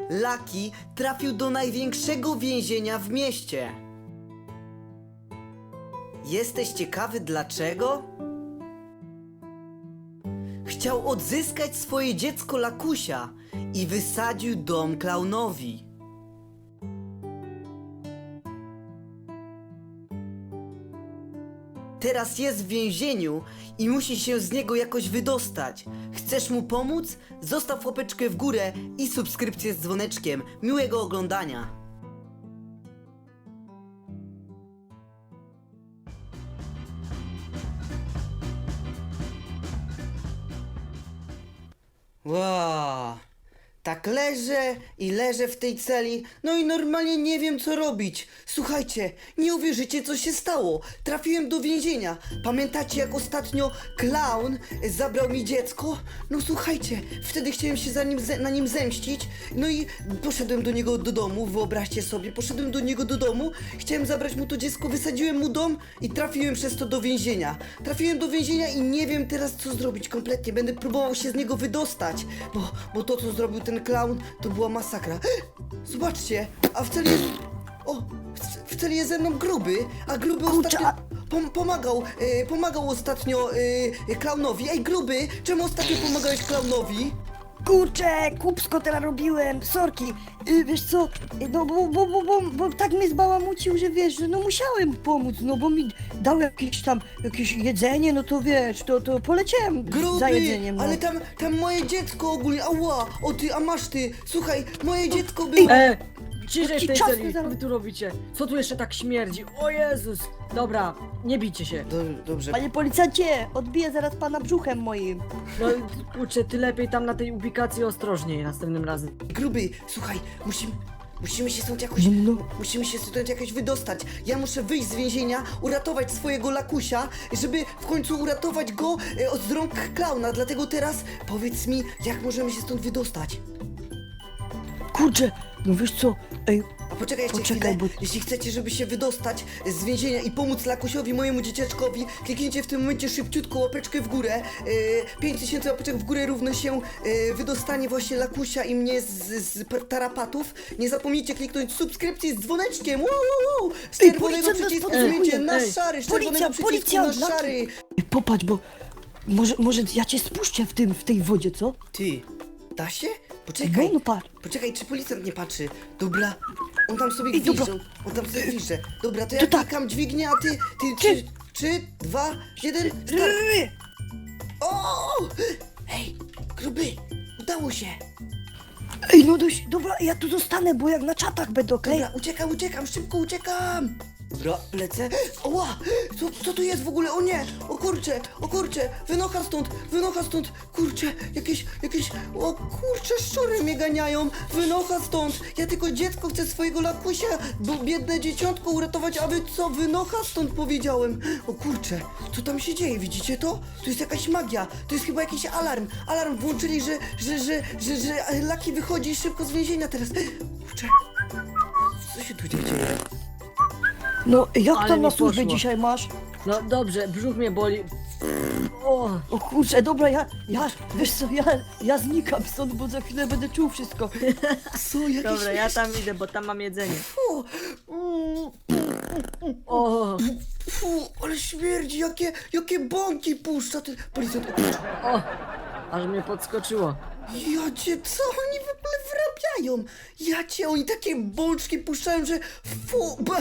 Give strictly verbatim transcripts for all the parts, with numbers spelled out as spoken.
Lucky trafił do największego więzienia w mieście. Jesteś ciekawy dlaczego? Chciał odzyskać swoje dziecko Lakusia i wysadził dom klaunowi. Teraz jest w więzieniu i musi się z niego jakoś wydostać. Chcesz mu pomóc? Zostaw łapeczkę w górę i subskrypcję z dzwoneczkiem. Miłego oglądania. Wow. Tak leżę i leżę w tej celi, no i normalnie nie wiem co robić. Słuchajcie, nie uwierzycie co się stało. Trafiłem do więzienia. Pamiętacie jak ostatnio klaun zabrał mi dziecko? No słuchajcie, wtedy chciałem się za nim, na nim zemścić. No i poszedłem do niego do domu, wyobraźcie sobie, poszedłem do niego do domu, chciałem zabrać mu to dziecko, wysadziłem mu dom i trafiłem przez to do więzienia. Trafiłem do więzienia i nie wiem teraz co zrobić kompletnie. Będę próbował się z niego wydostać, bo, bo to co zrobił ten klaun to była masakra. Zobaczcie, a w celi jest... O, w, w celi jest ze mną Gruby, a Gruby Kurczę, ostatnio... a- Pom pomagał, e, pomagał ostatnio e, klaunowi. Ej Gruby, czemu ostatnio pomagałeś klaunowi? Kurczę, kupsko teraz robiłem, sorki. Y, wiesz co, y, no bo, bo, bo, bo, bo tak mnie zbałamucił, że wiesz, że no musiałem pomóc, no bo mi dał jakieś tam, jakieś jedzenie, no to wiesz, to, to poleciałem Gruby, za jedzeniem, no. ale tam, tam moje dziecko ogólnie, ała, o ty, a masz ty, słuchaj, moje dziecko było... E, ciszej w tej Czas celi, zaraz- co wy tu robicie? Co tu jeszcze tak śmierdzi? O Jezus! Dobra, nie bijcie się. Do, dobrze, Panie policjancie, odbiję zaraz pana brzuchem moim. No kurczę, ty lepiej tam na tej ubikacji ostrożniej następnym razem. Gruby, słuchaj, musimy... Musimy się stąd jakoś, No. musimy się stąd jakoś wydostać. Ja muszę wyjść z więzienia, uratować swojego Lakusia, żeby w końcu uratować go e, od rąk klauna. Dlatego teraz powiedz mi, jak możemy się stąd wydostać. Kurczę, no wiesz co, ej, A poczekajcie Poczekaj, chwilę, bo- jeśli chcecie, żeby się wydostać z więzienia i pomóc Lakusiowi, mojemu dzieciaczkowi, kliknijcie w tym momencie szybciutko łapeczkę w górę. E, pięć tysięcy łapeczek w górę równo się e, wydostanie właśnie Lakusia i mnie z, z p- tarapatów. Nie zapomnijcie kliknąć subskrypcji z dzwoneczkiem. Wow, wow, wow. Z Ej, czerwonego policjant nas przycisku podsłuchuje. zmieńcie na Ej, szary, z czerwonego Policja, przycisku policja, na Laki. szary. Ej, popatrz, bo może, może ja cię spuszczę w tym, w tej wodzie, co? Ty, da się? No, Poczekaj. no patrz. Poczekaj, czy policjant nie patrzy? Dobra, on tam sobie Ej, dobra. gwizdże, on tam sobie gwizdże. Dobra, to ja To tak. klikam dźwignię, a ty, ty, Ty. trzy, trzy, dwa, jeden, start. O! Ej, gruby, udało się. Ej, no dość, dobra, ja tu zostanę, bo jak na czatach będę, okej? Dobra, uciekam, uciekam, szybko uciekam. Dobra, lecę. Oła, co, co tu jest w ogóle? O nie, o kurcze, o kurcze, wynocha stąd, wynocha stąd, kurcze, jakieś, jakieś, o kurcze, szczury mnie ganiają, wynocha stąd. Ja tylko dziecko chcę swojego Lakusia, bo biedne dzieciątko uratować, a wy co, wynocha stąd powiedziałem. O kurcze, co tam się dzieje, widzicie to? Tu jest jakaś magia, to jest chyba jakiś alarm, alarm włączyli, że, że, że, że, że Lucky wychodzi szybko z więzienia teraz. Kurcze, co się tu dzieje? No, jak Ale tam mi na służbie poszło. dzisiaj masz? No dobrze, brzuch mnie boli. O, O kurczę, dobra, ja, ja, wiesz co, ja, ja znikam stąd, bo za chwilę będę czuł wszystko. Co, jakieś... dobra, ja tam idę, bo tam mam jedzenie. Fu, mm, O, fu, ale śmierdzi, jakie, jakie bąki puszcza ten policjant. o, aż mnie podskoczyło. Ja cię, co oni w ogóle wyrabiają? Ja cię, oni takie bączki puszczają, że fu, ba,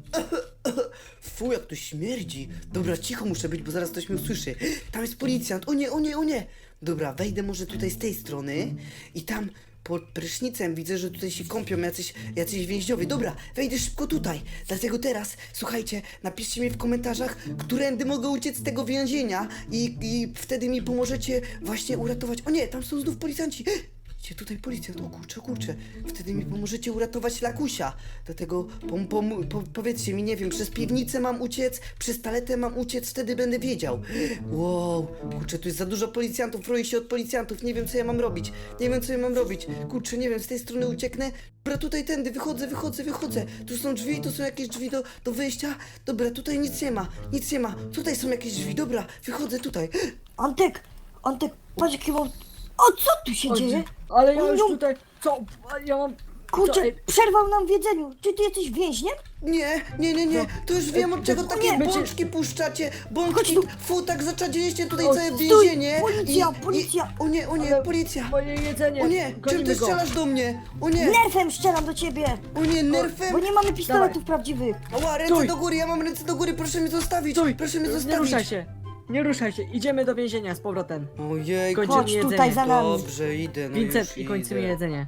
fu, jak to śmierdzi. Dobra, cicho muszę być, bo zaraz ktoś mnie usłyszy. Tam jest policjant, o nie, o nie, o nie. Dobra, wejdę może tutaj z tej strony i tam pod prysznicem widzę, że tutaj się kąpią jacyś, jacyś więźniowie. Dobra, wejdę szybko tutaj. Dlatego teraz, słuchajcie, napiszcie mi w komentarzach, którędy mogę uciec z tego więzienia i, i wtedy mi pomożecie właśnie uratować. O nie, tam są znów policjanci. Gdzie tutaj policjant? O kurczę, o kurczę. Wtedy mi pomożecie uratować Lakusia. Dlatego pom, pom, po, powiedzcie mi, nie wiem, przez piwnicę mam uciec, przez taletę mam uciec, wtedy będę wiedział. Wow, kurczę, tu jest za dużo policjantów, roję się od policjantów, nie wiem co ja mam robić. Nie wiem co ja mam robić. Kurczę, nie wiem, z tej strony ucieknę. Dobra, tutaj tędy, wychodzę, wychodzę, wychodzę. Tu są drzwi, tu są jakieś drzwi do, do wyjścia. Dobra, tutaj nic nie ma, nic nie ma. Tutaj są jakieś drzwi, dobra, wychodzę tutaj. Antek, Antek, patrz jaki mam... O, co tu się O, dzieje? Ale ja O, już no. tutaj, Co? Ja mam... Kurczę, Co? Ej, przerwał nam w jedzeniu. Czy ty jesteś więźniem? Nie, nie, nie, nie, to już wiem od czego to- takie nie, bączki puszczacie. Chodź Bączki, tu. fu, tak zaczadziliście tutaj O, całe stój, więzienie. policja, i, policja. I, o nie, o nie, Ale- policja. Moje jedzenie. O nie, czym Gonimy ty go. strzelasz do mnie? O nie, Nerfem strzelam do ciebie. o nie, nerfem. Bo nie mamy pistoletów prawdziwych. Ała, ręce Stój. do góry, ja mam ręce do góry, proszę mnie zostawić. Stój. Proszę mnie zostawić. Nie ruszaj się. Nie ruszaj się. Idziemy do więzienia z powrotem. Ojej, Kończymy Chodź jedzenie. tutaj za nami. dobrze, idę, no Vincent już i kończymy idę. jedzenie.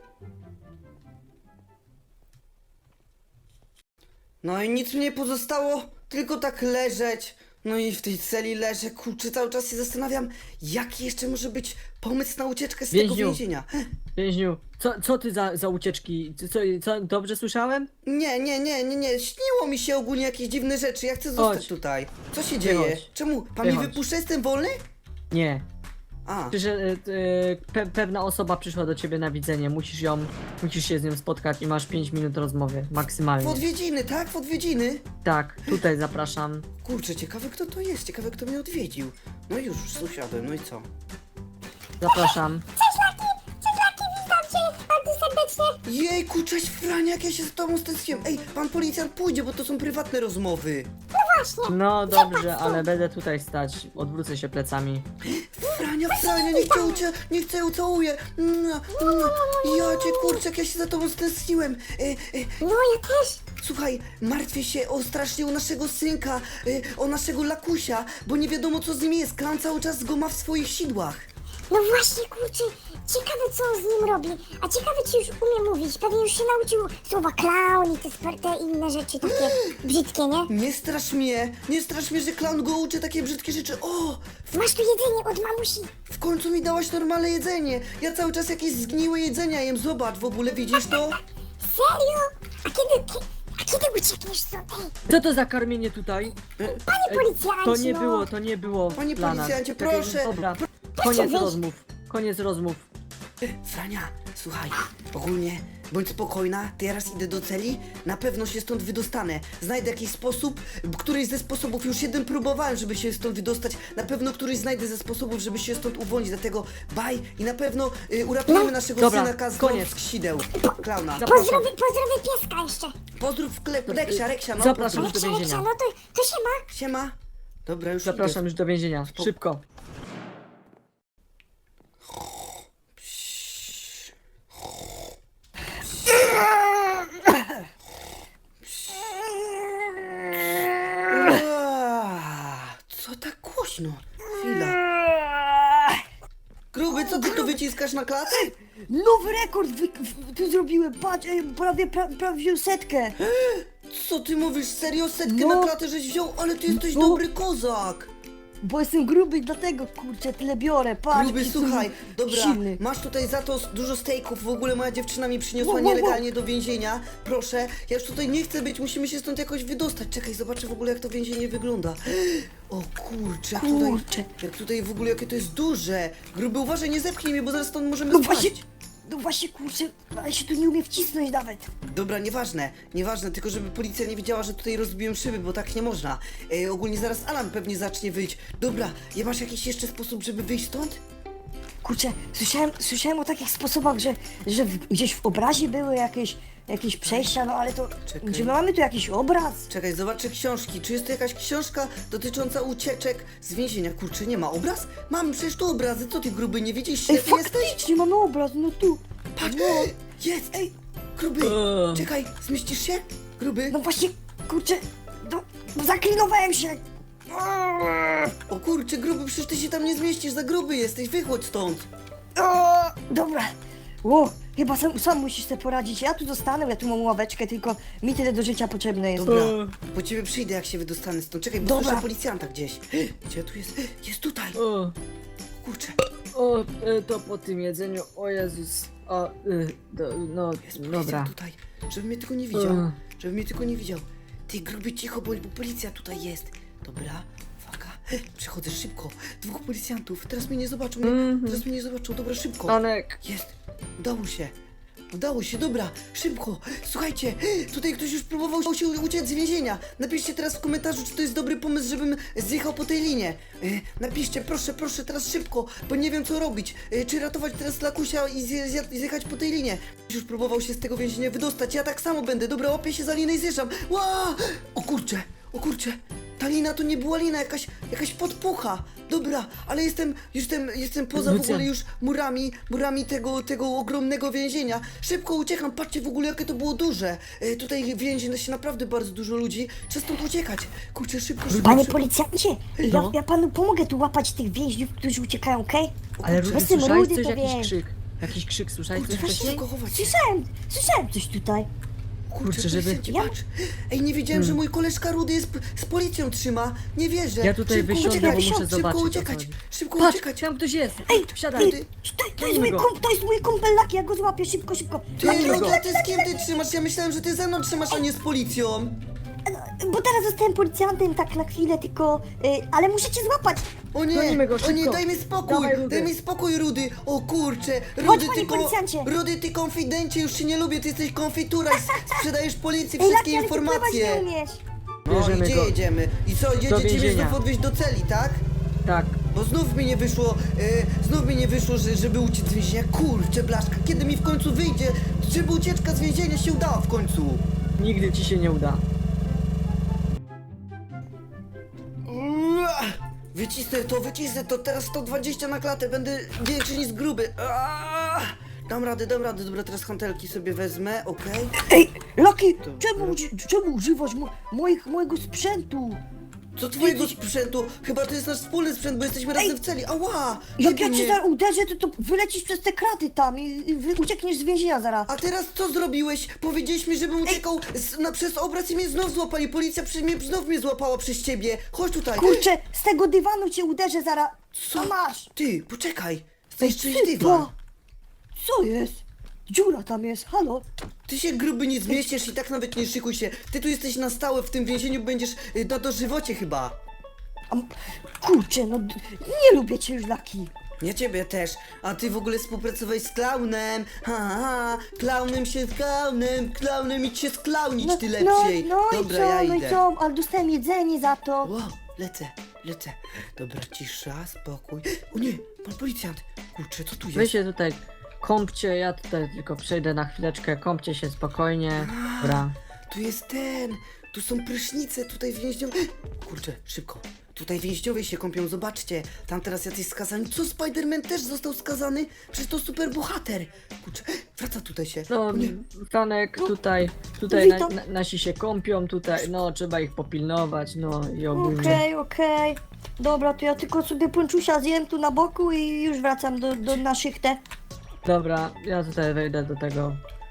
No i nic mi nie pozostało, tylko tak leżeć. No i w tej celi leżę, kurczę, cały czas się zastanawiam, jaki jeszcze może być pomysł na ucieczkę z tego Więźniu. więzienia. Więźniu, co, co ty za, za ucieczki? Co, co, co, dobrze słyszałem? Nie, nie, nie, nie, nie, śniło mi się ogólnie jakieś dziwne rzeczy, ja chcę zostać Chodź. tutaj. Co się dzieje? Wychodź. Czemu? Pan mnie Wychodź. wypuszcza, jestem wolny? Nie. A, Że e, e, pe, pewna osoba przyszła do ciebie na widzenie. Musisz ją, musisz się z nią spotkać i masz pięć minut rozmowy, w maksymalnie. odwiedziny, tak? W odwiedziny? Tak, tutaj zapraszam. Kurczę, ciekawe kto to jest, ciekawe kto mnie odwiedził. No już, już usiadłem, no i co? Zapraszam. Jejku, cześć Frania, jak ja się z tobą stęskiłem. Ej, pan policjant pójdzie, bo to są prywatne rozmowy. No dobrze, ale będę tutaj stać. Odwrócę się plecami. Frania, Frania, niech cię, ucie, niech cię ucałuję. Mua, mua. Ja cię, kurczę, jak ja się za tobą stęskiłem. E, e, No ja też. słuchaj, martwię się o strasznie o naszego synka, e, o naszego Lakusia, bo nie wiadomo co z nim jest. Klan cały czas go ma w swoich sidłach. No właśnie, kurczę, ciekawe co on z nim robi. A ciekawe czy już umie mówić. Pewnie już się nauczył słowa clown i te, spe- te inne rzeczy takie brzydkie, nie? Nie strasz mnie, nie strasz mnie, że klan go uczy takie brzydkie rzeczy. O, Masz tu jedzenie od mamusi. w końcu mi dałaś normalne jedzenie. Ja cały czas jakieś zgniłe jedzenia jem. Zobacz, w ogóle widzisz to? Serio? A kiedy, ki- a kiedy uciekniesz stąd? Ej, Co to za karmienie tutaj? panie Ej, policjancie, To nie no. było, to nie było. Panie dla nas. policjancie, Czekaj, proszę. Dobra, Proszę koniec wyjść. rozmów. Koniec rozmów. Frania, słuchaj, ogólnie bądź spokojna, teraz idę do celi, na pewno się stąd wydostanę. Znajdę jakiś sposób, któryś ze sposobów, już jeden próbowałem, żeby się stąd wydostać, na pewno któryś znajdę ze sposobów, żeby się stąd uwolnić, dlatego baj i na pewno y, uratujemy naszego Dobra, synaka z koniec. sideł, klauna. Zapraszam. Pozdrowy, pozdrowy pieska jeszcze. Pozdrów klep, Reksia, Reksia, no. Zapraszam. pozdrów. do Reksia, więzienia. Reksia, no to, to się ma. Siema. Dobra, już Zapraszam już do więzienia. Szybko. Aaa, co tak głośno? Chwila. Gruby, co ty tu wyciskasz na klatę? Nowy rekord wy, w, tu zrobiłem. Patrz, ej, prawie, pra, prawie wziął setkę. Co ty mówisz? Serio? Setkę No. na klatę żeś wziął? Ale ty jesteś No. dobry kozak! Bo jestem gruby, dlatego kurczę tyle biorę. Patrz, Gruby, jaki słuchaj, jestem dobra, silny. masz tutaj za to s- dużo stejków, w ogóle moja dziewczyna mi przyniosła Wo, wo, wo. nielegalnie do więzienia. Proszę, ja już tutaj nie chcę być, musimy się stąd jakoś wydostać. Czekaj, zobaczę w ogóle jak to więzienie wygląda. O kurczę, jak tutaj, Kurczę. jak tutaj w ogóle, jakie to jest duże. Gruby, uważaj, nie zepchnij mnie, bo zaraz stąd możemy No spaść. właśnie, no właśnie kurczę, ale się tu nie umie wcisnąć nawet. Dobra, nieważne, nieważne, tylko żeby policja nie wiedziała, że tutaj rozbiłem szyby, bo tak nie można. E, ogólnie zaraz alarm pewnie zacznie wyjść. Dobra, ja masz jakiś jeszcze sposób, żeby wyjść stąd? Kurczę, słyszałem, słyszałem o takich sposobach, że, że w, gdzieś w obrazie były jakieś, jakieś przejścia, no ale to, Czekaj. czy my mamy tu jakiś obraz? Czekaj, zobaczę książki. Czy jest to jakaś książka dotycząca ucieczek z więzienia? Kurczę, nie ma obraz? Mam przecież tu obrazy, co ty gruby, nie widzisz? Ej, Ślepy jesteś? faktycznie mamy obraz, no tu. Patrz, No, jest! Ej, gruby, Eee. czekaj, zmieścisz się? Gruby? no właśnie, kurczę, no, no zaklinowałem się. O kurczę, gruby, przecież ty się tam nie zmieścisz, za gruby jesteś, wychodź stąd. O, dobra. O, chyba sam, sam musisz sobie poradzić. Ja tu zostanę, ja tu mam ławeczkę, tylko mi tyle do życia potrzebne jest. Dobra, Eee. po ciebie przyjdę, jak się wydostanę stąd. Czekaj, bo Dobra. słyszę policjanta gdzieś. Gdzie tu jest? Jest tutaj! O, Kurczę, o, e, to po tym jedzeniu, o Jezus. O, e, do, no, jest dobra. policjant tutaj. Żeby mnie tylko nie widział. Eee. Żeby mnie tylko nie widział. Ty gruby, cicho bądź, bo policja tutaj jest. Dobra, uwaga. Przychodzę szybko. Dwóch policjantów. Teraz mnie nie zobaczą. Nie? Mhm. Teraz mnie nie zobaczą. Dobra, szybko. Anek, Jest. Udało się. Udało się, dobra, szybko. Słuchajcie, tutaj ktoś już próbował się uciec z więzienia. Napiszcie teraz w komentarzu, czy to jest dobry pomysł, żebym zjechał po tej linie. E, napiszcie, proszę, proszę, teraz szybko, bo nie wiem co robić. E, czy ratować teraz Lakusia i zje, zje, zjechać po tej linie. Ktoś już próbował się z tego więzienia wydostać, ja tak samo będę. Dobra, łapię się za linę i zjeżdżam. Ła! O kurcze, o kurcze. Ta lina to nie była lina, jakaś, jakaś podpucha. Dobra, ale jestem, jestem, jestem poza w Lucjan. ogóle już murami, murami tego, tego ogromnego więzienia. Szybko uciekam, patrzcie w ogóle jakie to było duże. E, tutaj więzi się naprawdę bardzo dużo ludzi. Trzeba stąd uciekać. Kurczę, szybko, szybko, Panie szybko. policjancie, ja, No. ja panu pomogę tu łapać tych więźniów, którzy uciekają, okej? Ale kurczę, Rudy, jestem słyszałeś rudy, coś, to jakiś wiem. krzyk? Jakiś krzyk, słyszałeś coś Kurczę, wcześniej? szybko chować się. Słyszałem, słyszałem coś tutaj. Kurczę, żeby- policjancie, Ja- patrz. Ej, nie wiedziałem, że mój koleżka Rudy jest p- z policją trzyma. Nie wierzę. Ja tutaj Szybko wysiądę, uciekać, bo muszę szybko zobaczyć, o co uciekać, chodzi. szybko Patrz, uciekać. tam ktoś jest! Ej, Wsiadaj! Ty, to, to, jest Gonimy mój go. kum, to jest mój kumpel Laki, ja go złapię, szybko, szybko. Ty, Laki, Rudy, Laki, ty z kim ty trzymasz? Ja myślałem, że ty ze mną trzymasz, a nie z policją. bo teraz zostałem policjantem tak na chwilę, tylko... Y, ale muszę cię złapać. O nie, Gonimy go, o nie, szybko. daj mi spokój, Dawaj, Rudy. daj mi spokój, Rudy. O kurczę, Chodź, Rudy, panie ty, policjancie. Rudy, ty konfidencie, już się nie lubię, ty jesteś konfitura i s- sprzedajesz policji Ej, wszystkie Laki, ale ty pływać informacje. nie umiesz. No i Bierzemy gdzie go. jedziemy? I co, Do jedziecie mnie więzienia. znów odwieźć do celi, tak? Tak. Bo znów mi nie wyszło, e, znów mi nie wyszło, że, żeby uciec z więzienia. Kurczę, blaszka, kiedy mi w końcu wyjdzie, żeby ucieczka z więzienia się udała w końcu? Nigdy ci się nie uda. Ua! Wycisnę to, wycisnę to, teraz sto dwadzieścia na klatę, będę większy niż gruby. Ua! Dam radę, dam radę, dobra, teraz hantelki sobie wezmę, okej? Ej, Laki, To- czemu, uży- czemu używasz mo, moich, mojego sprzętu? Co twojego sprzętu? Chyba to jest nasz wspólny sprzęt, bo jesteśmy razem w celi. Ała! Jak Jebie ja cię mnie. zaraz uderzę, to, to wylecisz przez te kraty tam i, i wy- uciekniesz z więzienia zaraz. A teraz co zrobiłeś? Powiedzieliśmy, żebym uciekał z, na, przez obraz i mnie znów złapali. Policja przy mnie, znów mnie złapała przez ciebie. Chodź tutaj. Kurczę, z tego dywanu cię uderzę zaraz. Co? Co masz? Ty, poczekaj. Ej, Zniszczyłeś ty, dywan. bo- Co jest? Dziura tam jest, halo? Ty się gruby nie zmieścisz i tak nawet nie szykuj się. Ty tu jesteś na stałe w tym więzieniu, będziesz y, na dożywocie chyba. A, m- kurczę, no d- nie lubię cię już, Laki. Ja ciebie też. A ty w ogóle współpracowałeś z klaunem. Ha, ha, klaunem się z klaunem, klaunem idź się sklaunić, ty lepszej. No, no Dobra, i co, ja no idę. i co, ale dostałem jedzenie za to. Wow, lecę, lecę. Dobra, cisza, spokój. O nie, pan policjant. Kurczę, co tu Wy jest? się tutaj kąpcie, ja tutaj tylko przejdę na chwileczkę, kąpcie się spokojnie. Dobra. Tu jest ten. Tu są prysznice, tutaj więźniowie. Kurczę, szybko. Tutaj więźniowie się kąpią, zobaczcie. Tam teraz jacyś skazani. Co, Spider-Man też został skazany? Przecież to super bohater. Kurczę, wraca tutaj się. No, O nie. Franek, tutaj, tutaj na, witam. na, nasi się kąpią, tutaj, no, trzeba ich popilnować, no i ogólnie. Okej, okej. Dobra, to ja tylko sobie ponczusia zjem tu na boku i już wracam do, do na szychtę. Dobra, ja tutaj wejdę do tego.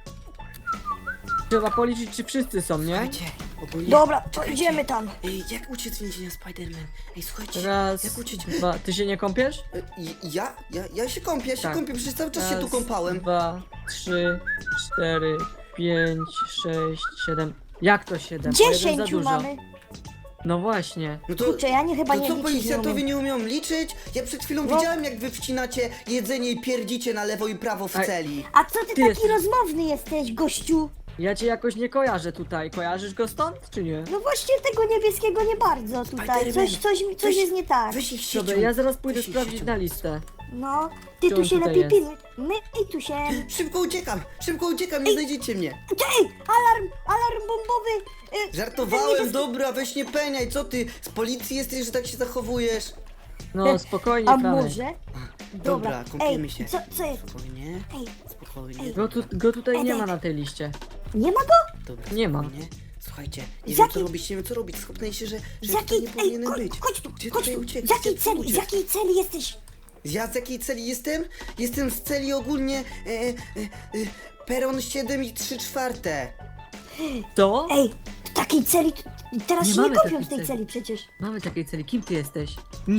Trzeba policzyć, czy wszyscy są, nie? Słuchajcie, ogólnie... Dobra, to Czekajcie. idziemy tam. Ej, jak uciec z więzienia Spider-Man? Ej, słuchajcie, Raz, jak uciec... dwa, ty się nie kąpiesz? E, i- Ja? Ja, ja się kąpię, ja się Tak. kąpię, przecież cały czas się tu Raz, kąpałem. dwa, trzy, cztery, pięć, sześć, siedem. Jak to siedem? O jeden za Dziesięciu dużo. mamy. No właśnie. No to, Kurczę, ja nie chyba to nie co, liczyć policjantowie nie umiem. nie umią liczyć? Ja przed chwilą No. widziałem, jak wy wcinacie jedzenie i pierdzicie na lewo i prawo w Ej. celi. A co ty, Ty taki jesteś- rozmowny jesteś, gościu? Ja cię jakoś nie kojarzę tutaj. Kojarzysz go stąd, czy nie? No właśnie tego niebieskiego nie bardzo tutaj. Spider-Man, Coś, coś, mi- coś weź- jest nie tak. Weź ich siecią. Dobra, ja zaraz pójdę Weź ich sprawdzić siecią. na listę. No, ty Gdzie tu on się tutaj lepiej jest? pilnuj. My i tu się... Szybko uciekam, szybko uciekam, nie znajdziecie mnie. Ej, alarm, alarm bombowy! Y, ten Żartowałem, niebieski- dobra, weź nie peniaj, co ty? Z policji jesteś, że tak się zachowujesz? No spokojnie, A Franek. może? Dobra, kąpiemy Ej, się. co, co jest? Spokojnie, Ej, spokojnie. Go, tu, go tutaj nie Ej, ma na tej liście. nie ma go? Dobra, Nie ma. spokojnie. Słuchajcie, nie Z wiem jakiej- co robić, nie wiem co robić, schopnę się, że, Z że tutaj jakiej... nie Ej, powinienem chodź, być. chodź tu, Gdzie chodź tutaj tu. uciekać? Z jakiej Jak tu celi, z uciec? jakiej celi jesteś? Ja z jakiej celi jestem? Jestem z celi ogólnie e, e, e, peron siedem i trzy czwarte. To? Ej, w takiej celi... Teraz Nie się nie mamy kopią takiej w tej celi. celi przecież. Mamy takiej celi. Kim ty jesteś? Nie.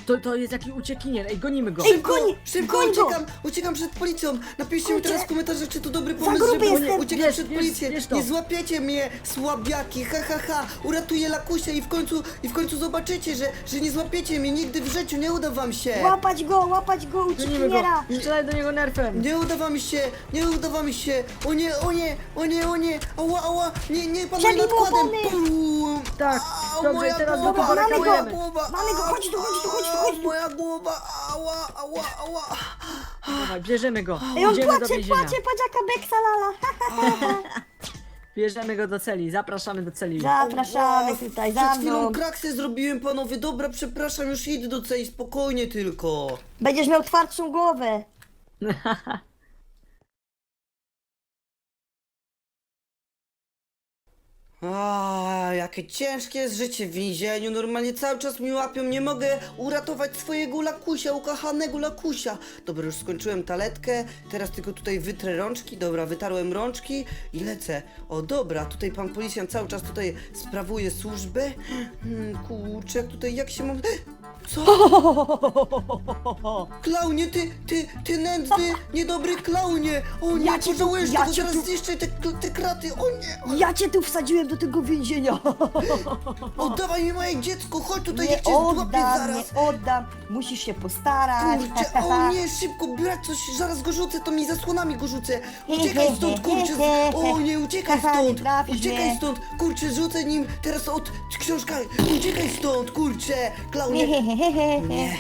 to, to jest jakiś uciekinier, ej, gonimy go. Ej, Szybko, goń- szybko goń go! uciekam, uciekam przed policją. Napiszcie mi Kurczę. teraz w komentarzach, czy to dobry Za pomysł, gruby żeby jestem. uciekać Wiesz, przed wiesz, policję. wiesz to. Nie złapiecie mnie, słabiaki, ha ha ha. Uratuję Lakusia i w końcu, i w końcu zobaczycie, że, że nie złapiecie mnie nigdy w życiu, nie uda wam się. Łapać go, łapać go, Gonimy go, uciekiniera! strzelaj do niego nerfem. Nie uda wam się, nie uda wam się. O nie, o nie, o nie, o nie. Ała, ała, nie, nie, pan Przebij nad mu kładem. opony. Bum. Tak, Au, dobrze, moja i teraz głowa, go mamy go. moja głowa. Mamy go, chodź tu, chodź tu, chodź tu, chodź tu. Moja głowa, ała, ała, ała. Dawaj, bierzemy go, Ej, on idziemy do płacze, więzienia. płacze, patrz jaka beksa lala! Bierzemy go do celi, zapraszamy do celi. Zapraszamy tutaj, za Przed chwilą mną. kraksę zrobiłem, panowie. Dobra, przepraszam, już idę do celi, spokojnie tylko. Będziesz miał twardszą głowę. A, jakie ciężkie jest życie w więzieniu. Normalnie cały czas mi łapią. Nie mogę uratować swojego Lakusia, ukochanego Lakusia. Dobra, już skończyłem taletkę. Teraz tylko tutaj wytrę rączki. Dobra, wytarłem rączki i lecę. O, dobra, tutaj pan policjant cały czas tutaj sprawuje służbę. Hmm, kurczę, jak tutaj, jak się mam... Co? Klaunie, ty, ty, ty nędzny, niedobry klaunie! O nie, Ja cię tu- pożałujesz ja tego, cię zaraz tu- zniszczę te, te kraty, o nie! Ja cię tu wsadziłem do tego więzienia. Oddawaj mi moje dziecko, chodź tutaj, niech Nie cię złapię oddam, zaraz! nie oddam. Musisz się postarać. Kurczę, o nie, szybko, brać coś, zaraz go rzucę, to mi zasłonami go rzucę! Uciekaj stąd, kurczę, z... o nie, uciekaj Haha, nie stąd! trafisz Uciekaj mnie. stąd, kurczę, rzucę nim teraz od książka, uciekaj stąd, kurczę, klaunie! Nie,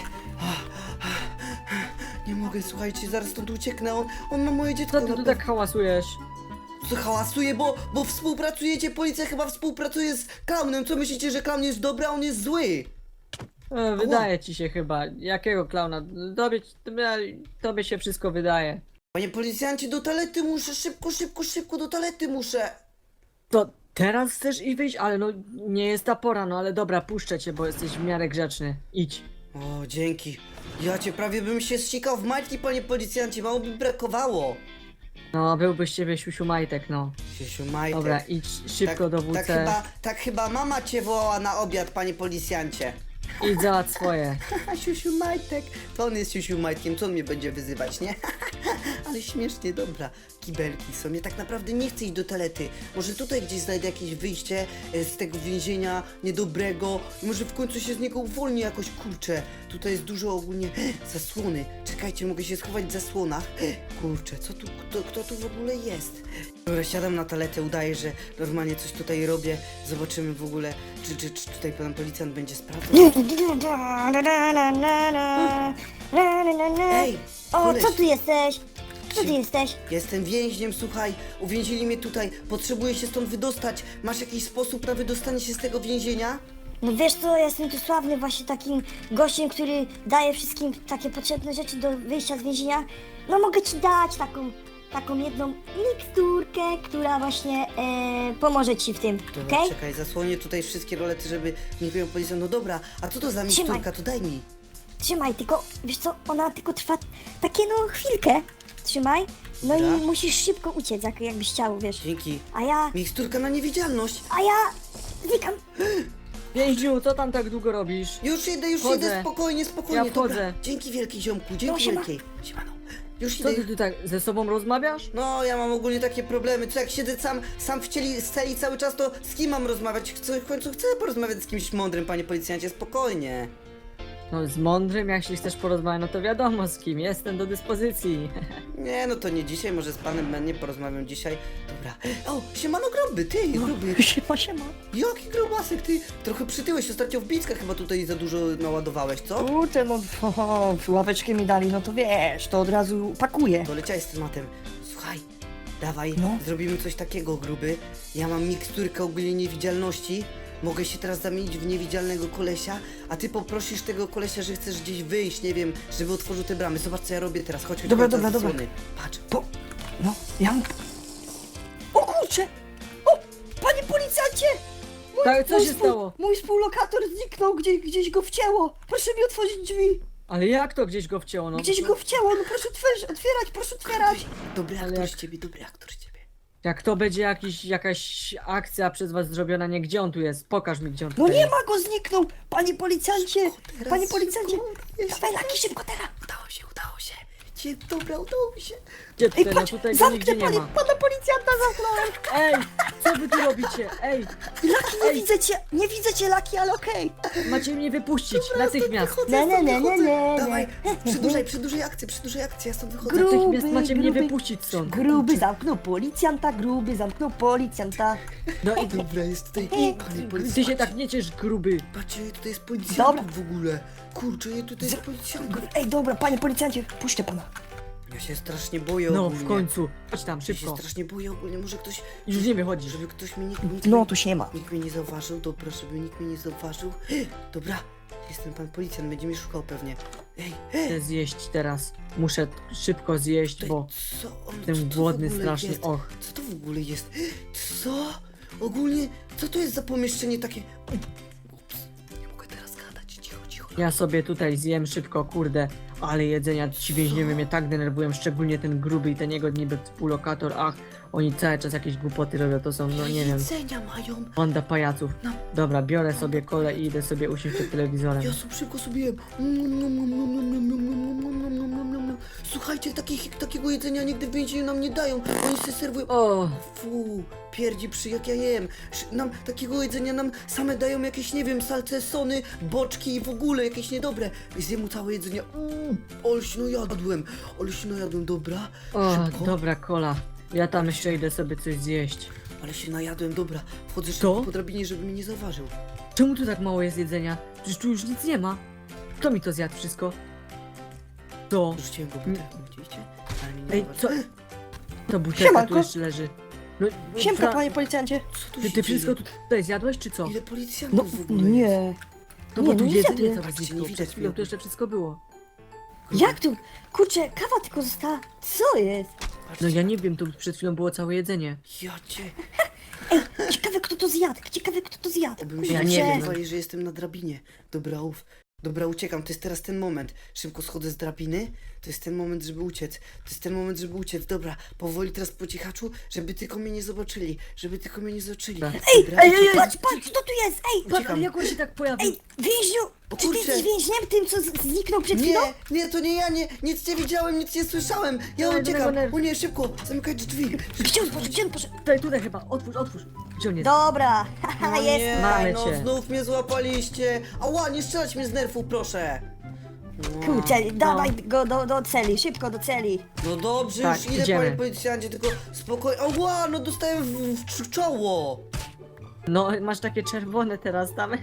nie mogę, słuchajcie, zaraz stąd ucieknę, on, on ma moje dziecko Co ty na tu tak hałasujesz? Co hałasuje, bo, bo współpracujecie, policja chyba współpracuje z klaunem. Co myślicie, że klaun jest dobry, a on jest zły? E, wydaje ci się chyba. Jakiego klauna? Tobie, tobie, tobie się wszystko wydaje. Panie policjancie, do toalety muszę, szybko, szybko, szybko, do toalety muszę. To teraz chcesz i wyjść, ale no nie jest ta pora, no ale dobra, puszczę cię, bo jesteś w miarę grzeczny. Idź. O, dzięki. Ja cię prawie bym się zsikał w majtki, panie policjancie, mało by brakowało. No, byłbyś z ciebie siusiu majtek, no. Siesiu, majtek. Dobra, idź szybko do W C. tak, chyba, tak chyba mama cię wołała na obiad, panie policjancie. Idź załatw swoje. Siusiu Majtek. To on jest Siusiu Majtkiem, co on mnie będzie wyzywać, nie? Ale śmiesznie, dobra. Kibelki są. Ja tak naprawdę nie chcę iść do toalety. Może tutaj gdzieś znajdę jakieś wyjście e, z tego więzienia niedobrego. I może w końcu się z niego uwolnię jakoś, kurczę. Tutaj jest dużo ogólnie zasłony. Czekajcie, mogę się schować w zasłonach. Kurczę, co tu, kto, kto tu w ogóle jest? Dobra, siadam na toaletę, udaję, że normalnie coś tutaj robię. Zobaczymy w ogóle, czy, czy, czy tutaj pan policjant będzie sprawdzał. Ej, O, koleś. co tu jesteś? Co tu jesteś? Jestem więźniem, słuchaj, uwięzili mnie tutaj, potrzebuję się stąd wydostać. Masz jakiś sposób na wydostanie się z tego więzienia? No wiesz co, ja jestem tu sławny właśnie takim gościem, który daje wszystkim takie potrzebne rzeczy do wyjścia z więzienia. No mogę ci dać taką, taką jedną miksturkę, która właśnie e, pomoże ci w tym, Dobra, okej? czekaj, zasłonię tutaj wszystkie rolety, żeby nie wiem policjant. No dobra, a co to za Trzymaj. miksturka, to daj mi. Trzymaj, tylko, wiesz co, ona tylko trwa takie no chwilkę. Trzymaj, no Dobra. i musisz szybko uciec, jak, jakbyś chciał, wiesz. Dzięki. A ja, Miksturka na niewidzialność. a ja znikam. Więźniu, co tam tak długo robisz? Już idę, już Wchodzę. idę, spokojnie, spokojnie. Ja wchodzę. Dobra. Dzięki wielki ziomku, dzięki No, siema. wielkiej. Siemano. Już Co idę. ty tu tak ze sobą rozmawiasz? No, ja mam ogólnie takie problemy. Co jak siedzę sam, sam w cieli, z celi cały czas, to z kim mam rozmawiać? Chcę, w końcu chcę porozmawiać z kimś mądrym, panie policjancie, spokojnie. No z mądrym, jeśli chcesz porozmawiać, no to wiadomo z kim, jestem do dyspozycji. Nie, no to nie dzisiaj, może z panem Mennie porozmawiam dzisiaj. Dobra. O, siemano gruby, ty, gruby. Siema, siema. Jaki grubasek, ty. Trochę przytyłeś, ostatnio w Bicka chyba tutaj za dużo naładowałeś, co? Kurczę, no o, ławeczkę mi dali, no to wiesz, to od razu pakuję. To leciałeś z tematem. Słuchaj, dawaj, No. zrobimy coś takiego, gruby. Ja mam miksturkę ogólnie niewidzialności. Mogę się teraz zamienić w niewidzialnego kolesia, a ty poprosisz tego kolesia, że chcesz gdzieś wyjść, nie wiem, żeby otworzył te bramy. Zobacz, co ja robię teraz. Chodź, chodź, Dobra, chodź, dobra, za dobra. zasłony. Patrz. Po, no, ja mu... O kurczę! O, panie policjancie! Mój, Tak, co mój się współ- stało? Mój współlokator zniknął, gdzieś, gdzieś go wcięło. Proszę mi otworzyć drzwi. Ale jak to gdzieś go wcięło, no? Gdzieś go wcięło, no proszę otwierać, otwierać, proszę otwierać. Dobry Ale aktor jak- z ciebie, dobry aktor z ciebie. Jak to będzie jakiś, jakaś akcja przez was zrobiona, nie gdzie on tu jest? Pokaż mi, gdzie on No tutaj nie jest. ma go, zniknął! Panie policjancie! teraz, Panie policjancie! szybko, Dawaj Laki, szybko teraz! Udało się, udało się. Dzie, dobra, udało mi się. Gdzie Ej, tutaj? No patrz, tutaj go zamknę nigdzie nie panie, ma. pana policjanta zamknąłem! Ej, co wy tu robicie? Ej, Laki, nie Ej. widzę cię, nie widzę cię Laki, ale okej! macie mnie wypuścić natychmiast. Wychodzę, Ne, ne, stąd ne, ne, wychodzę. ne, Dawaj, ne. przedłużaj, przedłużaj akcję, przedłużaj akcję, ja stąd wychodzę. Gruby, Natychmiast macie mnie gruby, wypuścić stąd. Gruby zamknął policjanta, gruby zamknął policjanta. No i Dobra, jest tutaj, Ej, panie ty policjancie. się tak nie ciesz, gruby. Patrzcie, tutaj jest Dobra. policjant w ogóle. Kurczę, ja tutaj jest policjant. Ej, dobra, panie policjancie, puśćcie pana. Ja się strasznie boję No, ogólnie. w końcu. Chodź tam, Ja się szybko. strasznie boję ogólnie, może ktoś, Już nie wychodzisz. żeby ktoś mnie, nikt, nikt, No, mnie- tu się nie ma. nikt mnie nie zauważył, dobra, żeby nikt mnie nie zauważył. Dobra, jestem pan policjant, będzie mnie szukał pewnie. Ej, Chcę zjeść teraz. Muszę szybko zjeść, tutaj, bo co on, jestem co to w głodny ogóle strasznie. jest? Och. Co to w ogóle jest? Co? Ogólnie, co to jest za pomieszczenie takie? Ups, nie mogę teraz gadać, cicho, cicho. Ja sobie tutaj zjem szybko, kurde. Ale jedzenia, ci więźniowie mnie tak denerwują, szczególnie ten gruby i ten jego niby współlokator. Ach, oni cały czas jakieś głupoty robią, to są, no nie wiem, Jedzenia mają. banda pajaców. No. Dobra, biorę sobie kolę i idę sobie usiąść przed telewizorem. Ja sobie szybko sobie jem. Mm, nom, nom, nom, nom, nom, nom, nom, nom, nom, nom, nom, nom, nom. Słuchajcie, takich, takiego jedzenia nigdy w więzieniu nam nie dają. Oni sobie serwują. O, Fu, pierdzi przy jak ja jem. Sz- Nam takiego jedzenia nam same dają jakieś, nie wiem, salcesony, boczki i w ogóle jakieś niedobre. Zjem mu całe jedzenie. Mm, olśno jadłem. Olśno jadłem, dobra. o, Szybko. dobra kola. Ja tam jeszcze idę sobie coś zjeść. Ale się najadłem, dobra. Wchodzę Co? szybko po drabinie, żeby mnie nie zauważył. Czemu tu tak mało jest jedzenia? Przecież tu już nic nie ma. Kto mi to zjadł wszystko? To, Rzuciłem go butelką, widzieliście? Ale mnie nie ej, co? zauważył. To butelka tu Siemanko. jeszcze leży. No, Siemka, fra- panie policjancie. Co tu Ty, się ty wszystko dzieje? tutaj zjadłeś, czy co? Ile No, policjantów w ogóle jest? nie. To nie, bo tu no nie jedzenie zjadłem. całe Patrzcie, znikło. nie Przed widać chwilą mnie. tu jeszcze wszystko było. Jak tu? Kurczę, kawa tylko została. Co jest? No ja nie wiem, tu przed chwilą było całe jedzenie. Ja cię... Ciekawe kto to zjadł, ciekawe kto to zjadł. Obym się Ja nie nie wiem. wiem, że jestem na drabinie. Dobra, uf. Dobra, uciekam, to jest teraz ten moment. Szybko schodzę z drabiny. To jest ten moment, żeby uciec. To jest ten moment, żeby uciec. Dobra, powoli teraz po cichaczu, żeby tylko mnie nie zobaczyli. Żeby tylko mnie nie zobaczyli. Dobra. Dobra, Ej, ej, ej, uciekam. patrz, patrz, kto tu jest? Ej, Patrz, Uciekam. jak on się tak pojawił? ej, więźniu! O Czy ty kurczę. jesteś więźniem tym, co z- zniknął przed chwilą? Nie, nie, to nie ja, nie, nic nie widziałem, nic nie słyszałem. Ja Dawaj, uciekam. dawaj, dawaj. O nie, szybko, zamykaj drzwi. Gdzie on poszedł, gdzie on poszedł? Tutaj, tutaj chyba, otwórz, otwórz. Gdzie on jest? Dobra, haha, No jest. nie, Mamy no cię. znów mnie złapaliście. Ała, nie strzelać mnie z nerfu, proszę. No. Kurczę, dawaj go do, do celi, szybko do celi. No dobrze, Tak, już idę, idziemy. panie policjancie, tylko spokojnie. Ała, no dostałem w, w cz- czoło. No, masz takie czerwone teraz tam.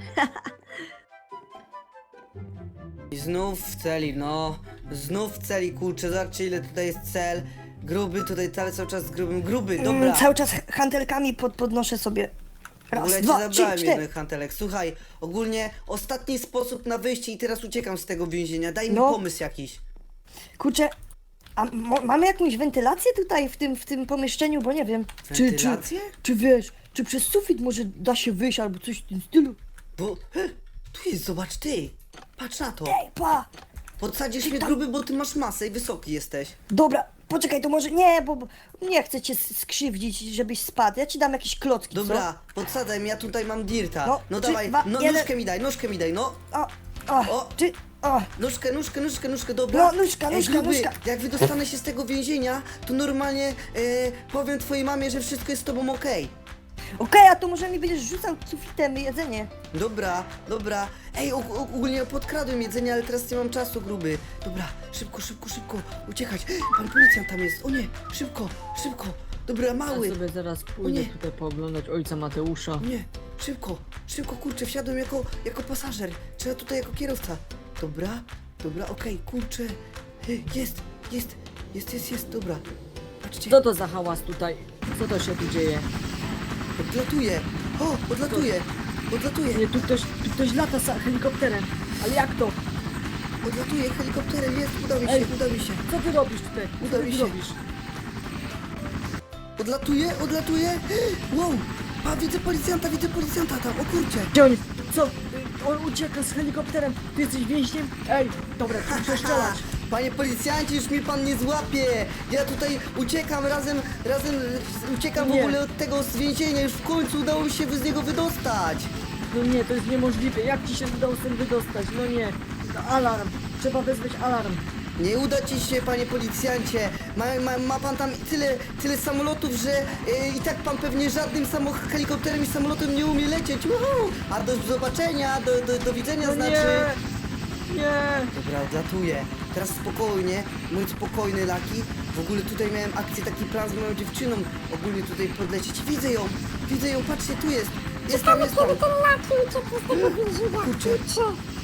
I znów w celi, no. Znów w celi, kurczę, zobaczcie ile tutaj jest cel. Gruby, tutaj cały, cały czas z grubym. Gruby, dobra. Mm, cały czas hantelkami pod, podnoszę sobie. W ogóle Raz, ci dwa, trzy, zabrałem cztery. jeden hantelek. Słuchaj, ogólnie ostatni sposób na wyjście i teraz uciekam z tego więzienia. Daj mi No. pomysł jakiś. Kurczę, a mo- mamy jakąś wentylację tutaj w tym, w tym pomieszczeniu, bo nie wiem. Czy, czy, Wentylację? czy wiesz, czy przez sufit może da się wyjść albo coś w tym stylu? Bo, he, tu jest, zobacz ty. Patrz na to. Ej, pa! Podsadzisz Ty mnie tam- gruby, bo ty masz masę i wysoki jesteś. Dobra, poczekaj, to może nie, bo bo nie chcę cię s- skrzywdzić, żebyś spadł. Ja ci dam jakieś klocki, Dobra, podsadzaj mnie, ja tutaj mam dirta. No, No, trzy, dawaj, dwa, no, jeden. nóżkę mi daj, nóżkę mi daj, no. co? O, o, O. czy, o. Nóżkę, nóżkę, nóżkę, nóżkę, dobra? No, nóżka, Ej, nóżka, gruby, nóżka. jak wydostanę się z tego więzienia, to normalnie e, powiem twojej mamie, że wszystko jest z tobą okej. Okej, a to może mi będziesz rzucał sufitem jedzenie. Dobra, dobra. Ej, og- og- ogólnie podkradłem jedzenie, ale teraz nie mam czasu, gruby. Dobra, szybko, szybko, szybko, uciekać. Pan policjant tam jest, o nie, szybko, szybko. Dobra, Ja mały. sobie zaraz O pójdę nie. tutaj pooglądać ojca Mateusza. O nie, szybko, szybko, kurczę, wsiadłem jako, jako pasażer. Trzeba tutaj jako kierowca. Dobra, dobra, okej, kurczę. Hy, Jest, jest, jest, jest, jest, dobra. Patrzcie, Co to za hałas tutaj? Co to się tu dzieje? odlatuje. O, odlatuje, odlatuje, Nie, tu ktoś, tu ktoś lata sa- helikopterem. Ale jak to? odlatuje helikopterem, jest, uda mi się, Ej. uda mi się. Co ty robisz tutaj? Uda Co mi ty się. robisz? Odlatuje, odlatuje. Wow, pa, widzę policjanta, widzę policjanta tam, o kurczę. Gdzie on jest? Co? On ucieka z helikopterem. Ty jesteś więźniem? Ej, dobra, ty muszę strzelać. Panie policjancie, już mnie pan nie złapie! Ja tutaj uciekam razem, razem e, uciekam w Nie. ogóle od tego z więzienia, już w końcu udało mi się z niego wydostać! No nie, to jest niemożliwe. Jak ci się udało stąd wydostać? No nie. No, alarm. Trzeba wezwać alarm. Nie uda ci się, panie policjancie. Ma, ma, ma pan tam tyle, tyle samolotów, że e, i tak pan pewnie żadnym samo helikopterem i samolotem nie umie lecieć. Uhu! A do zobaczenia, do, do, do widzenia No znaczy. nie. Nie. Dobra, odlatuję. Teraz spokojnie, mój spokojny Laki. W ogóle tutaj miałem akcję, taki plan z moją dziewczyną. Ogólnie tutaj podlecieć. Widzę ją, widzę ją, patrzcie, tu jest. Jest tam, jest tam. Kiedy ten laki uciekł z tego więzienia, Kurczę. kurczę.